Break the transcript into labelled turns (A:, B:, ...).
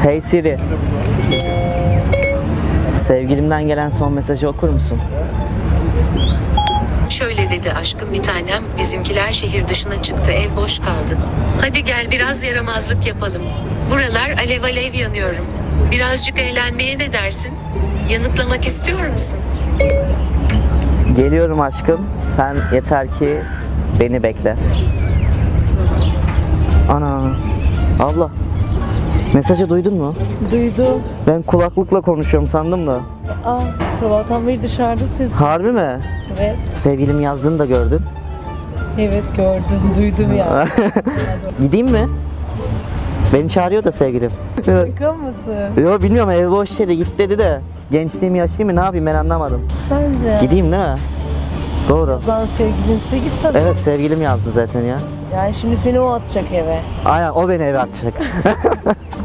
A: Hey Siri. Sevgilimden gelen son mesajı okur musun?
B: Şöyle dedi aşkım bir tanem, bizimkiler şehir dışına çıktı, ev boş kaldı. Hadi gel biraz yaramazlık yapalım. Buralar alev alev yanıyorum. Birazcık eğlenmeye ne dersin? Yanıtlamak istiyor musun?
A: Geliyorum aşkım. Sen yeter ki beni bekle. Ana. Abla. Mesajı duydun mu?
C: Duydum.
A: Ben kulaklıkla konuşuyorum sandım da.
C: Aa, sabahtan beri dışarıda ses.
A: Harbi mi?
C: Evet,
A: Sevgilim yazdığını da gördün.
C: evet gördüm, duydum ya.
A: Gideyim mi? Beni çağırıyor da sevgilim.
C: Şaka mısın?
A: Yo bilmiyorum, ev boş dedi, git dedi de. Gençliğimi yaşayayım mı, ne yapayım, ben anlamadım.
C: Bence.
A: Gideyim değil mi? Doğru.
C: Lan sevgilinse git tabii.
A: Evet, sevgilim yazdı zaten ya.
C: Yani şimdi seni o atacak eve.
A: Aynen, o beni eve atacak.